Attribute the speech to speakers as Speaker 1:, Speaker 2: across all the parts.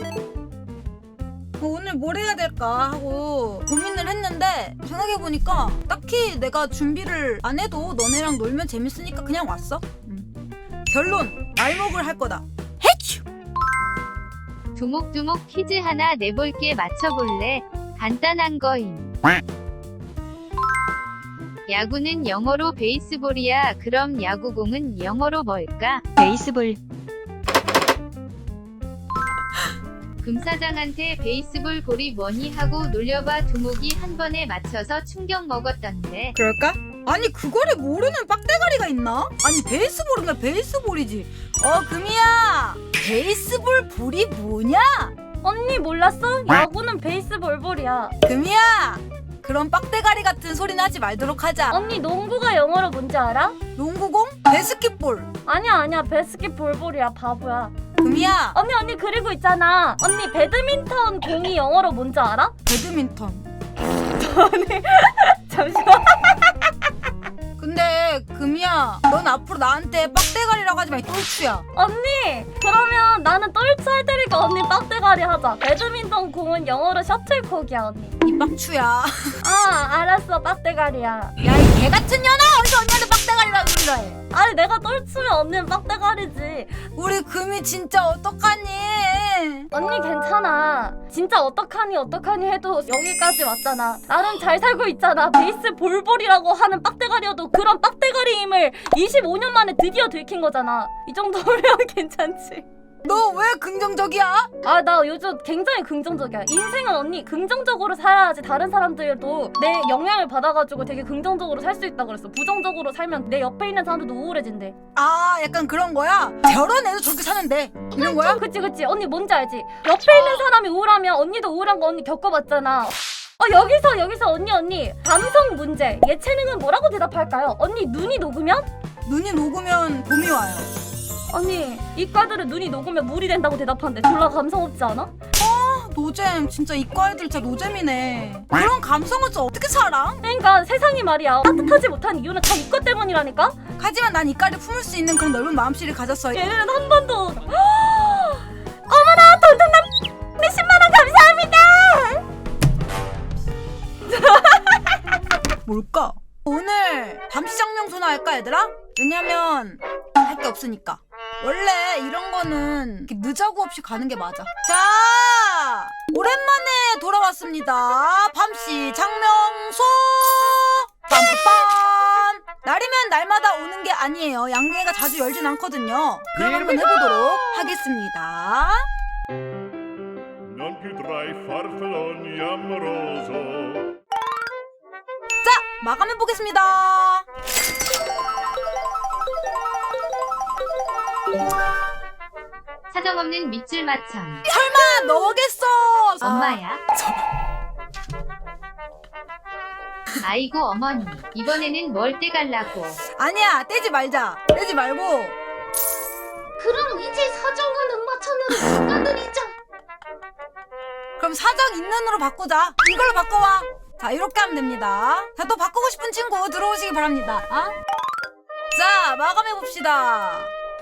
Speaker 1: 오늘 뭘 해야 될까 하고 고민을 했는데 생각해보니까 딱히 내가 준비를 안 해도 너네랑 놀면 재밌으니까 그냥 왔어. 결론, 날먹을 할 거다. 해치!
Speaker 2: 두목두목 퀴즈 하나 내볼게. 맞춰볼래? 간단한 거임. 야구는 영어로 베이스볼이야. 그럼 야구공은 영어로 뭘까?
Speaker 3: 베이스볼.
Speaker 2: 금사장한테 베이스볼 볼이 뭐니 하고 놀려봐. 두목이 한 번에 맞춰서 충격 먹었던데.
Speaker 1: 그럴까? 아니 그거를 모르는 빡대가리가 있나? 아니 베이스볼은 베이스볼이지. 금이야, 베이스볼 볼이 뭐냐?
Speaker 4: 언니 몰랐어? 야구는 베이스볼 볼이야.
Speaker 1: 금이야, 그런 빡대가리 같은 소리는 하지 말도록 하자.
Speaker 4: 언니 농구가 영어로 뭔지 알아?
Speaker 1: 농구공? 베스킷볼.
Speaker 4: 아니야 베스킷볼 볼이야 바보야.
Speaker 1: 금이야,
Speaker 4: 언니 그리고 있잖아. 언니 배드민턴 공이 영어로 뭔지 알아?
Speaker 1: 배드민턴.
Speaker 4: 잠시만.
Speaker 1: 근데 금이야, 넌 앞으로 나한테 빡대가리라고 하지 마. 이 똘추야.
Speaker 4: 언니 그러면 나는 똘추 할 테니까 언니 빡대가리 하자. 배드민턴 공은 영어로 셔틀콕이야 언니.
Speaker 1: 이 빡추야.
Speaker 4: 아 알았어 빡대가리야.
Speaker 1: 야, 이 개같은 년아, 어디서 언니한테 빡대가리라고 그러라 해.
Speaker 4: 아니 내가 똘추면 언니는 빡대가리지.
Speaker 1: 우리 금이 진짜 어떡하니?
Speaker 4: 언니 괜찮아. 진짜 어떡하니 해도 여기까지 왔잖아. 나는 잘 살고 있잖아. 베이스 볼볼이라고 하는 빡대가리여도 그런 빡대가리임을 25년 만에 드디어 들킨 거잖아. 이 정도면 괜찮지.
Speaker 1: 너 왜 긍정적이야?
Speaker 4: 아 나 요즘 굉장히 긍정적이야. 인생은 언니 긍정적으로 살아야지 다른 사람들도 내 영향을 받아가지고 되게 긍정적으로 살 수 있다 그랬어. 부정적으로 살면 내 옆에 있는 사람들도 우울해진대.
Speaker 1: 아, 약간 그런 거야? 저런 애도 저렇게 사는데 이런 거야?
Speaker 4: 그치 언니 뭔지 알지? 옆에 있는 사람이 우울하면 언니도 우울한 거 언니 겪어봤잖아. 여기서 언니 감성 문제. 예체능은 뭐라고 대답할까요? 언니 눈이 녹으면?
Speaker 1: 눈이 녹으면 봄이 와요.
Speaker 4: 언니 이과들은 눈이 녹으면 물이 된다고 대답하는데 졸라 감성 없지 않아?
Speaker 1: 노잼. 진짜 이과 애들 진짜 노잼이네. 그런 감성을 좀 어떻게 살아?
Speaker 4: 그러니까 세상이 말이야 따뜻하지 못한 이유는 다 이과 때문이라니까?
Speaker 1: 하지만 난 이과를 품을 수 있는 그런 넓은 마음씨를 가졌어.
Speaker 4: 얘는 한 번도 어머나 돈통남 10만원 감사합니다.
Speaker 1: 뭘까? 오늘 밤시장 명소나 할까 얘들아? 왜냐면 할 게 없으니까. 원래 이런 거는 이렇게 늦자고 없이 가는 게 맞아. 자, 오랜만에 돌아왔습니다. 밤시장 명소. 빰빰. 날이면 날마다 오는 게 아니에요. 양계가 자주 열진 않거든요. 그럼 한번 해보도록 하겠습니다.
Speaker 5: Non più tra i farfalloni amoroso.
Speaker 1: 자, 마감해보겠습니다.
Speaker 2: 사정없는 밑줄 맞참.
Speaker 1: 설마 너겠어?
Speaker 2: 엄마야. 아이고 어머니. 이번에는 뭘 떼갈라고.
Speaker 1: 아니야, 떼지 말자. 떼지 말고.
Speaker 4: 그럼 이제 사정과 눈맞춤으로 바꿔드리자.
Speaker 1: 그럼 사정 있는 으로 바꾸자. 이걸로 바꿔와. 자, 이렇게 하면 됩니다. 자, 또 바꾸고 싶은 친구 들어오시기 바랍니다. 자, 마감해봅시다.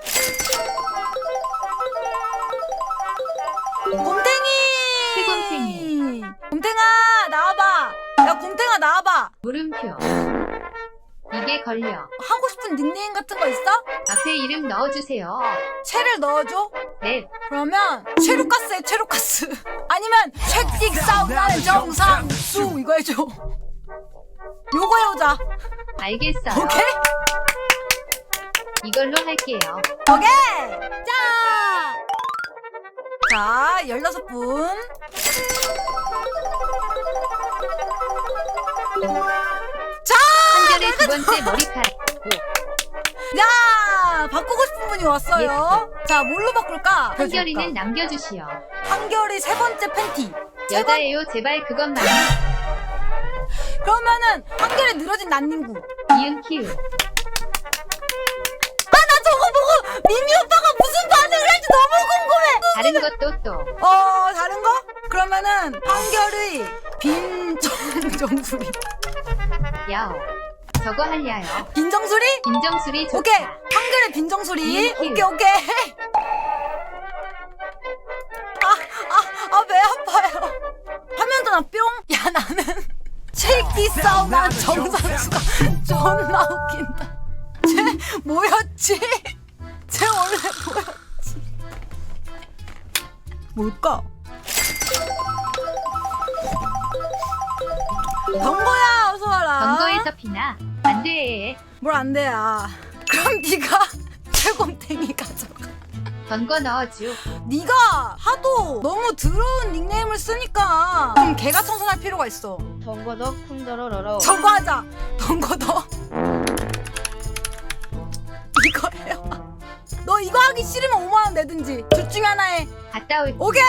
Speaker 1: 곰탱이!
Speaker 2: 새곰탱이.
Speaker 1: 곰탱아, 나와봐. 야, 곰탱아, 나와봐.
Speaker 2: 물음표. 이게 걸려.
Speaker 1: 하고 싶은 닉네임 같은 거 있어?
Speaker 2: 앞에 이름 넣어주세요.
Speaker 1: 채를 넣어줘.
Speaker 2: 네.
Speaker 1: 그러면 체루카스에 체루카스. 아니면 채찍 싸움나는 정상수. 이거 해줘. 요거 해오자.
Speaker 2: 알겠어요.
Speaker 1: 오케이?
Speaker 2: 이걸로 할게요.
Speaker 1: 오케이! 자, 16분. 자!
Speaker 2: 한결의 두 번째 머리카락.
Speaker 1: 야! 바꾸고 싶은 분이 왔어요. 자, 뭘로 바꿀까?
Speaker 2: 한결이는 남겨주시오.
Speaker 1: 한결이 세 번째 팬티.
Speaker 2: 여자예요. 제발 그것만.
Speaker 1: 그러면은 한결이 늘어진 난닝구.
Speaker 2: 이응 키우.
Speaker 1: 나 저거 보고 미미 오빠가 무슨 반응을 할지 너무 궁금해.
Speaker 2: 다른 것도 또.
Speaker 1: 다른 거? 그러면은 한결의 빈정정수리.
Speaker 2: 야오. 저거 할려요.
Speaker 1: 빈정수리?
Speaker 2: 인정수리 좋다.
Speaker 1: 오케이. 한결의 빈정수리.
Speaker 2: 이응 키우.
Speaker 1: 오케이. 나는 쉐이키 사우나 정선수가 존나 웃긴다. 쟤 뭐였지? 쟤 원래 뭐였지? 뭘까? 덩거야 어서 와라.
Speaker 2: 덩거에서 피나 안돼.
Speaker 1: 뭘 안 돼야. 그럼 네가 최곰탱이 가져가.
Speaker 2: 덩거 넣어줘.
Speaker 1: 네가 하도 너무 더러운 닉네임을 쓰니까 좀 개가 청소할 필요가 있어.
Speaker 4: 덩거더 쿵더러러러.
Speaker 1: 저거 하자. 덩거더. 이거 해요. 너 이거 하기 싫으면 5만 원 내든지 둘 중에 하나 해.
Speaker 2: 갔다 올게.
Speaker 1: 오케이.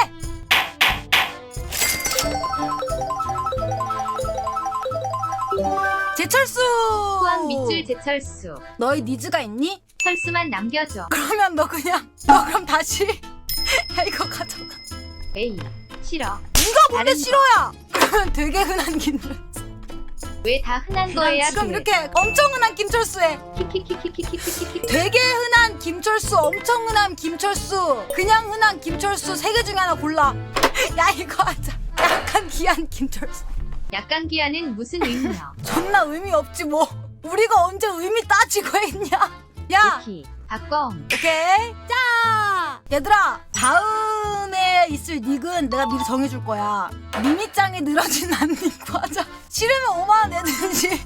Speaker 1: 제철수.
Speaker 2: 후왕 밑줄 제철수.
Speaker 1: 너희 니즈가 있니?
Speaker 2: 철수만 남겨줘.
Speaker 1: 그러면 너 그럼 다시 야 이거 가져가.
Speaker 2: 에이 싫어.
Speaker 1: 네가 뭔데
Speaker 2: 다른
Speaker 1: 싫어야? 그러면 되게 흔한 김철수.
Speaker 2: 왜 다 흔한 거야?
Speaker 1: 지금 이렇게 엄청 흔한 김철수에
Speaker 2: 키키키키키키키키키.
Speaker 1: 되게 흔한 김철수, 엄청 흔한 김철수, 그냥 흔한 김철수 세 개 중에 하나 골라. 야 이거 하자. 약간 귀한 김철수.
Speaker 2: 약간 기한은 무슨 의미야?
Speaker 1: 존나 의미 없지 뭐. 우리가 언제 의미 따지고 했냐? 야
Speaker 2: 오키 박검.
Speaker 1: 오케이. 자 얘들아 다음에 있을 닉은 내가 미리 정해줄 거야. 미미짱이 늘어진 난닉 하자. 싫으면 5만 원 내든지.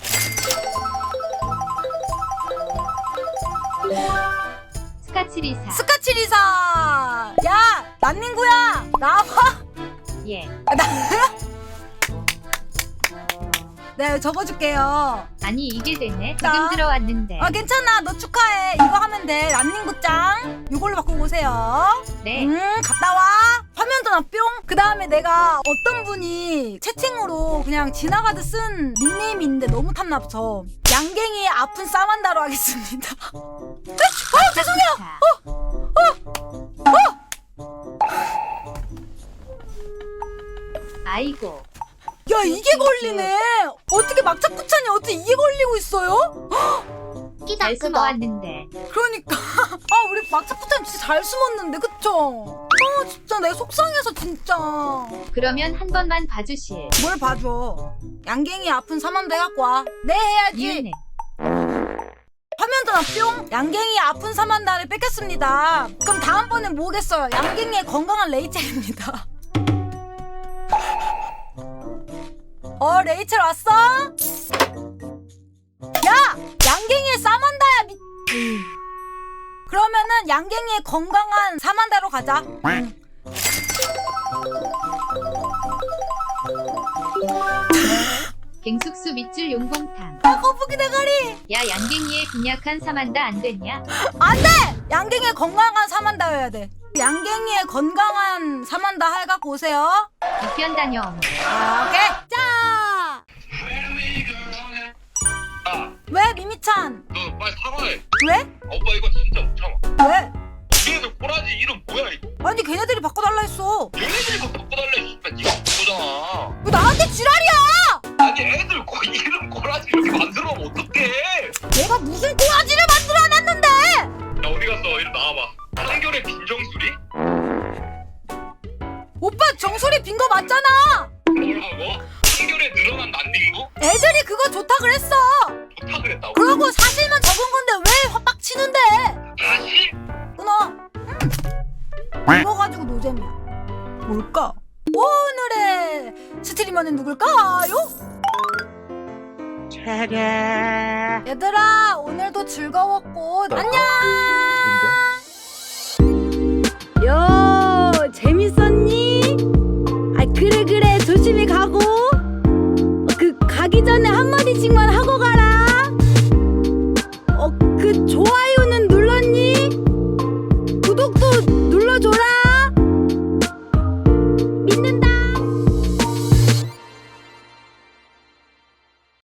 Speaker 2: 스카치리사.
Speaker 1: 스카치리사. 야 난닝구야 나와봐.
Speaker 2: 예.
Speaker 1: 네 적어줄게요.
Speaker 2: 아니 이게 되네.
Speaker 1: 나?
Speaker 2: 지금 들어왔는데.
Speaker 1: 아 괜찮아 너 축하해. 이거 하면 돼. 난닝구짱 이걸로 바꾸고 오세요.
Speaker 2: 네.
Speaker 1: 갔다 와. 화면 전화 뿅. 그 다음에 내가 어떤 분이 채팅으로 그냥 지나가듯 쓴 닉네임이 있는데 너무 탐나서 양갱이의 아픈 싸만다로 하겠습니다. 죄송해요.
Speaker 2: 아이고.
Speaker 1: 야 이게 걸리네. 어떻게 막차쿠찬이 어떻게 이게 걸리고 있어요?
Speaker 2: 잘 숨어왔는데.
Speaker 1: 그러니까 아 우리 막차쿠찬 진짜 잘 숨었는데 그쵸? 아 진짜 내가 속상해서 진짜.
Speaker 2: 그러면 한 번만 봐주실.
Speaker 1: 뭘 봐줘. 양갱이 아픈 사만다 해갖고 와. 네 해야지.
Speaker 2: 이은혜.
Speaker 1: 화면 전화 뿅. 양갱이 아픈 사만다를 뺏겼습니다. 그럼 다음번엔 뭐겠어요? 양갱이의 건강한 레이첼입니다. 레이첼 왔어? 야! 양갱이의 사만다야 미... 그러면은 양갱이의 건강한 사만다로 가자.
Speaker 2: 갱숙수 밑줄 용봉탕.
Speaker 1: 거북이 대가리.
Speaker 2: 야 양갱이의 빈약한 사만다 안 됐냐?
Speaker 1: 안돼! 양갱이의 건강한 사만다여야 돼. 양갱이의 건강한 사만다 해갖고 오세요.
Speaker 2: 이편 다녀옴.
Speaker 1: 오케이. 자. 왜 미미찬?
Speaker 3: 너 빨리 사과해.
Speaker 1: 왜?
Speaker 3: 오빠 이거 진짜 못 참아.
Speaker 1: 왜?
Speaker 3: 걔네들 꼬라지 이름 뭐야 이거?
Speaker 1: 아니 걔네들이 바꿔달라 했어.
Speaker 3: 얘네들이 뭐 바꿔달래. 씨발 니가 바꾸잖아.
Speaker 1: 왜 나한테 지랄이야?
Speaker 3: 아니 애들 이름 꼬라지 이렇게 만들어면 어떡해?
Speaker 1: 내가 무슨 꼬라지를 만들어놨는데?
Speaker 3: 야 어디 갔어? 이리 나와봐. 한결의 빈정수리?
Speaker 1: 오빠 정소리 빈 거 맞잖아.
Speaker 3: 뭐라고? 한결에 늘어난 난닝구?
Speaker 1: 애들이 그거 좋다 그랬어.
Speaker 3: 좋다 그랬다고?
Speaker 1: 그러고 사실만 적은 건데 왜 화빡치는데?
Speaker 3: 다시?
Speaker 1: 끊어. 이거 가지고 노잼이야. 뭘까? 오늘의 스트리머는 누굴까요? 얘들아 오늘도 즐거웠고 안녕.